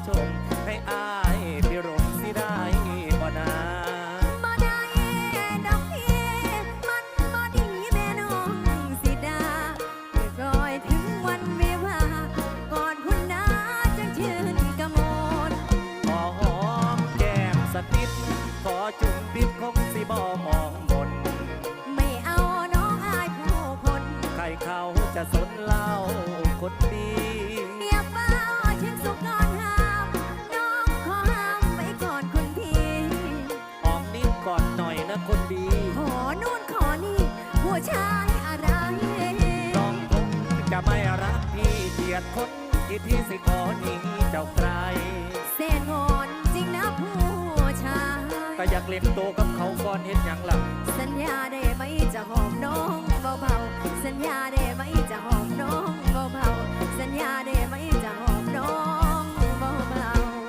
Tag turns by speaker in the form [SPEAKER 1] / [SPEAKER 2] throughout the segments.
[SPEAKER 1] ชมให้อายพิรมสิได้บ่นา
[SPEAKER 2] บ่ได้ดอกพี่มันบ่ดีแม่น้องสิดาอีกรอยถึงวันวิวาก่อนคุณนาจังชื่นกะโมน
[SPEAKER 1] ขอหอมแก้มสักนิดขอจุ่มปิ๊บคงสิบ่มองบน
[SPEAKER 2] ไม่เอาน้องอายผู้คน
[SPEAKER 1] ใครเขาจะสนเล่าคนดี
[SPEAKER 2] อย่าเฝ้าเช่นสุกนอนห้ามน้องขอห้ามไว้ก่อนคุณพี่
[SPEAKER 1] หอมนิดก่อนหน่อยนะคนดี
[SPEAKER 2] ขอนู่นขอนี่ผู้ชายอะไร
[SPEAKER 1] น้องคงจะไม่รักพี่เกลียดคนที่พี่สิขอหนีเจ้าใคร
[SPEAKER 2] เส้นงอนจริงนะผู้ชาย
[SPEAKER 1] ก็อยากเล่นโตกับเขาก่อนเห็นอย่างหลัง
[SPEAKER 2] สัญญาได้ไหมจะหอมน้องเบาๆสัญญาได้ไหมจะหอมน้องเบาๆสัญญาได้ไหมจะหอมน้องเบา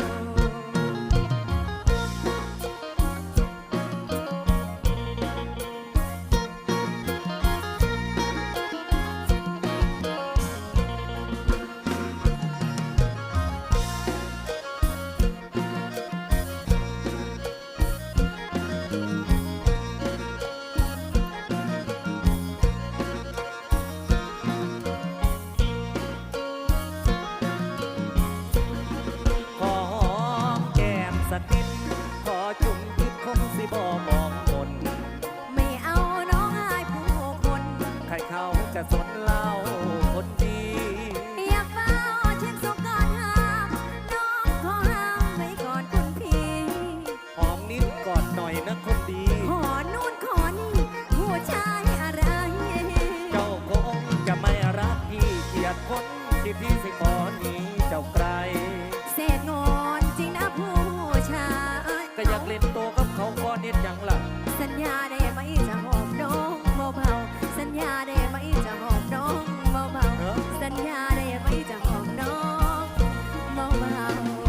[SPEAKER 1] ขอหอมแก้มสักนิดขอจุ่มพิษคงสิบ่มองบน
[SPEAKER 2] ไม่เอาน้องอายผู้คน
[SPEAKER 1] ใครเขาจะสนเล่าคนดี
[SPEAKER 2] อย่าเฝ้าเช่นสุกก่อนห้ามน้องขอห้ามไว้ก่อนคุณพี่
[SPEAKER 1] หอมนิดก่อนหน่อยนะคนดี
[SPEAKER 2] ขอนู่นขอนี่ผู้ชายอะไร
[SPEAKER 1] เจ้าคงจะไม่รักพี่เกลียดคนที่พี่สิขอหนีเจ้าไกล
[SPEAKER 2] เศษงอนจริงนะผู้ชาย
[SPEAKER 1] ก็อยากเล่นโตกับเขาก่อนเห็นอย่างหลัง
[SPEAKER 2] สัญญาได้ไหมจะหอมน้องเบาๆสัญญาได้ไหมจะหอมน้องเบาๆสัญญาได้ไหมจะหอมน้องเบา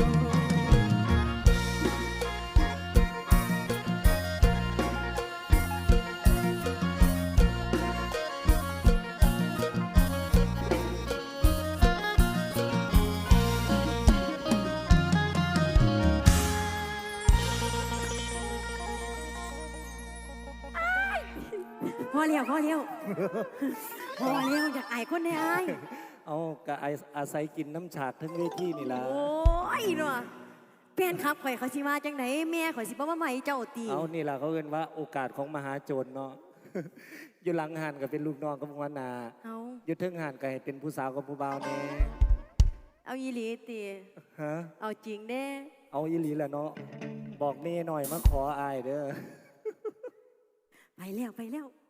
[SPEAKER 2] ๆพอแล้วพอแล้วพอแล้วอยากอายคนได้อาย
[SPEAKER 1] เอากะอาศัยกินน้ำฉากทั้งเวทีนี่ล่ะ
[SPEAKER 2] โอ้ยเนาะแฟนครับข่อยเขาสิมาจังไหนแม่ข่อยสิบ่มาใหม่เจ้าตี
[SPEAKER 1] เอานี่ล่ะเขาเรียกว่าโอกาสของมหาโจรเนาะ อยู่หลังหันก็เป็นลูกน้องกับวานา
[SPEAKER 2] เอา
[SPEAKER 1] อยู่ทึ่งหันก็ให้เป็นผู้สาวกับผู้บ่าวแน่
[SPEAKER 2] เอาอีหลีตี
[SPEAKER 1] ฮะ
[SPEAKER 2] เอาจริงเด้
[SPEAKER 1] เอาอีหลีแหละเนาะบอกเม่หน่อยมาขออายเด้อ
[SPEAKER 2] ไปแล้วไปแล้ว